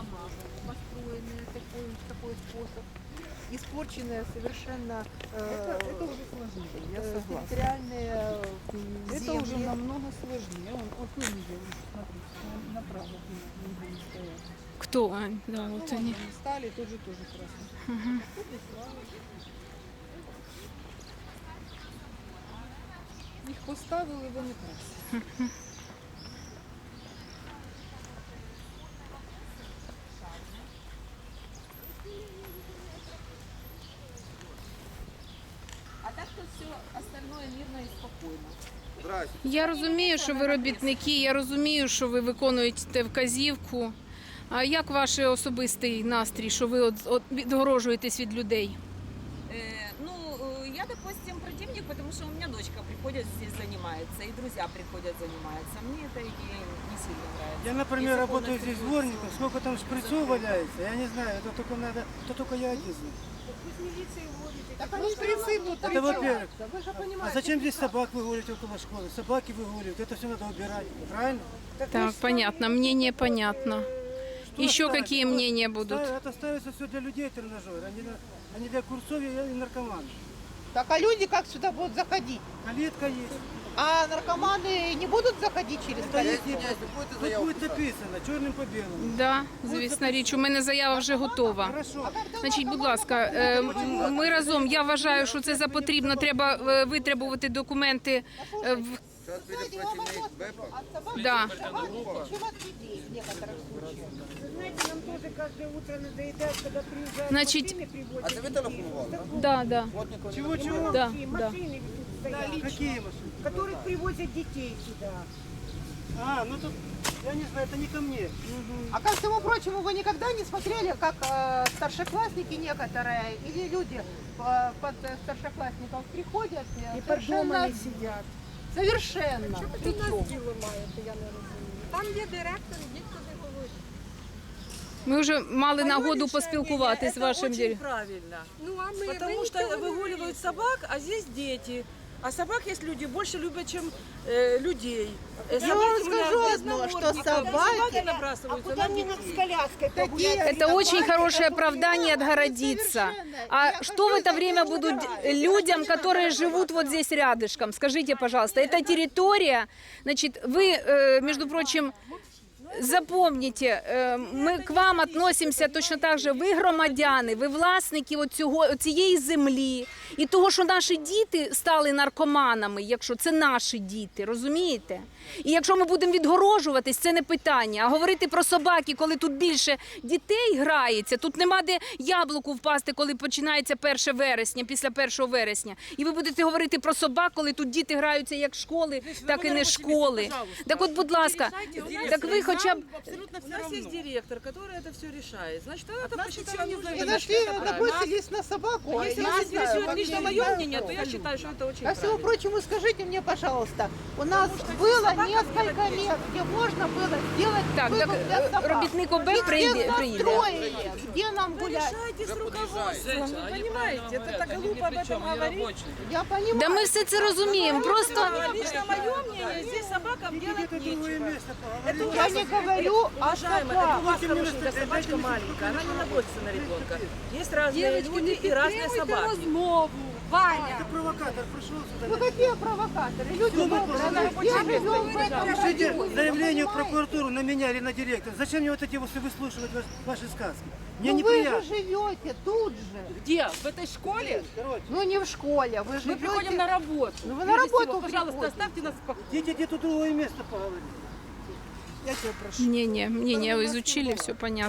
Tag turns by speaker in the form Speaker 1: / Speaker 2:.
Speaker 1: дома, построенные в такой способ, испорченные совершенно
Speaker 2: Это уже сложнее, я согласна.
Speaker 1: территориальные
Speaker 2: Это
Speaker 1: земли.
Speaker 2: уже намного сложнее. Вот вы видели, смотрите, направо где не стоят.
Speaker 3: Кто, Ань? Да,
Speaker 2: Ну,
Speaker 3: вот
Speaker 2: вот
Speaker 3: они.
Speaker 2: они стали, тоже красиво. Їх поставили, вони красиві.
Speaker 1: А так то все остальное мирно и спокойно.
Speaker 3: Я розумію, що ви робітники, я розумію, що ви виконуєте вказівку. А як ваш особистий настрій, що ви от відгорожуєтесь від людей?
Speaker 4: Я, допустим, противник, потому что у меня дочка приходит здесь занимается, и друзья приходят заниматься. Мне это не сильно нравится.
Speaker 5: Я, например,
Speaker 4: Если
Speaker 5: работаю
Speaker 4: полностью
Speaker 5: здесь
Speaker 4: будет
Speaker 5: дворником, сколько там шприцов валяется, я не знаю, это только я один знаю.
Speaker 2: Так они шприцы тут
Speaker 5: Это во-первых.
Speaker 2: Вы же
Speaker 5: А
Speaker 2: понимаете.
Speaker 5: зачем здесь собак выгуливать около школы? Собаки выгуливают, это все надо убирать, правильно?
Speaker 3: Так, понятно, мнение понятно.
Speaker 5: Что
Speaker 3: Еще
Speaker 5: ставить?
Speaker 3: какие мнения будут?
Speaker 5: Это ставится все для людей тренажер, а не для курцов и наркоманов.
Speaker 6: Так а люди как сюда будут заходить?
Speaker 5: Калитка есть.
Speaker 6: А наркоманы не будут заходить через
Speaker 5: Это
Speaker 6: калитку?
Speaker 5: тут будет написано, черным по белому.
Speaker 3: Да, звісно річ, у мене заява вже готова.
Speaker 5: Хорошо.
Speaker 3: Значить, будь ласка, ми разом, я вважаю, що це за потрібно, треба витребувати документи.
Speaker 6: Сзади вам вопрос пришел. От собак
Speaker 3: Да.
Speaker 6: собаки, чем от людей в некоторых случаях.
Speaker 7: Знаете, нам тоже каждое утро надоедает, когда приезжают
Speaker 3: Значит,
Speaker 7: машины, привозят.
Speaker 8: А це ви телефонували, так?
Speaker 3: Да, да.
Speaker 5: Чего-чего?
Speaker 3: Да,
Speaker 7: Машины,
Speaker 3: да.
Speaker 7: машины тут стоят,
Speaker 5: Какие машины?
Speaker 7: которых привозят детей сюда.
Speaker 5: А, ну тут, я не знаю, это не ко мне.
Speaker 6: А ко всему прочему, вы никогда не смотрели, как старшеклассники некоторые или люди под старшеклассников приходят
Speaker 7: И под
Speaker 6: совершенно...
Speaker 7: дома не сидят.
Speaker 6: Совершенно. Причем?
Speaker 1: Там, де директор, ніхто не говорить.
Speaker 3: Ми вже мали нагоду поспілкуватись з вашим
Speaker 9: очень
Speaker 3: директором.
Speaker 9: правильно.
Speaker 1: Ну, а ми
Speaker 9: Потому что выгуливают собак, а здесь дети. А собак есть люди больше любят, чем людей.
Speaker 6: Я вам скажу одно, что собаки...
Speaker 9: набрасываются на
Speaker 7: Мне
Speaker 9: детей.
Speaker 7: с коляской погулять.
Speaker 3: Это очень хорошее оправдание отгородиться. А что в это время будут людям, которые живут вот здесь рядышком? Скажите, пожалуйста, это территория, значит, вы, между прочим, запомните, ми к вам относимося точно так же, ви громадяни, ви власники цієї землі. І того, що наші діти стали наркоманами, якщо це наші діти, розумієте? І якщо ми будемо відгорожуватись, це не питання. А говорити про собаки, коли тут більше дітей грається, тут нема де яблуку впасти, коли починається 1 вересня, після 1 вересня. І ви будете говорити про собак, коли тут діти граються як школи, так і не школи. Так от, будь ласка, так ви хоча б...
Speaker 9: У нас есть директор, который это все решает. Значит, она это посчитала нужным.
Speaker 6: И нашли, набросились на собаку.
Speaker 9: А если
Speaker 6: Я
Speaker 9: вас
Speaker 6: не знаю,
Speaker 9: интересует
Speaker 6: как
Speaker 9: лично
Speaker 6: я
Speaker 9: мое
Speaker 6: не
Speaker 9: мнение, то
Speaker 6: знаю.
Speaker 9: я считаю, что это очень
Speaker 6: Ко всему
Speaker 9: правильно.
Speaker 6: прочему, скажите мне, пожалуйста, у нас было несколько мест, где можно было сделать
Speaker 3: Так,
Speaker 6: выгул для собак.
Speaker 3: робітник ОБ
Speaker 6: Их
Speaker 3: приїде.
Speaker 6: настроили, где нам
Speaker 9: Вы
Speaker 6: гулять.
Speaker 9: решайте с руководством, вы понимаете? Это так глупо об этом говорить.
Speaker 6: Я понимаю.
Speaker 3: Да ми все це розуміємо, просто...
Speaker 9: Лично мое мнение, здесь собакам делать
Speaker 5: Это другое
Speaker 9: нечего.
Speaker 5: место,
Speaker 9: Это
Speaker 5: поговорим.
Speaker 6: Я не говорю о
Speaker 9: Уважаемая, это у вас
Speaker 5: Дайте мне
Speaker 9: хорошенькая
Speaker 5: настроение,
Speaker 9: собачка
Speaker 5: дайте мне
Speaker 9: маленькая, она не набросится на ребенка. Есть разные
Speaker 1: Девочки,
Speaker 9: люди и разные собаки.
Speaker 1: розмову. Ваня.
Speaker 5: Это провокатор пришел сюда.
Speaker 6: Ну какие провокаторы? Люди
Speaker 5: Кто
Speaker 6: добрые,
Speaker 5: вы
Speaker 6: мы все живем в этом
Speaker 5: Пишите
Speaker 6: районе,
Speaker 5: заявление в
Speaker 6: понимаете?
Speaker 5: прокуратуру на меня или на директора. Зачем мне вот эти вот выслушивать ваши сказки? Мне
Speaker 6: Ну вы же
Speaker 5: неприятно.
Speaker 6: живете тут же.
Speaker 9: Где? В этой школе?
Speaker 5: Короче,
Speaker 6: Ну не в школе, вы живете...
Speaker 9: Мы приходим на работу.
Speaker 6: Ну вы на работу
Speaker 9: Пожалуйста,
Speaker 6: приходите.
Speaker 9: оставьте нас в покое.
Speaker 5: идите где-то другое место поговорить.
Speaker 3: Мнение изучили, все понятно.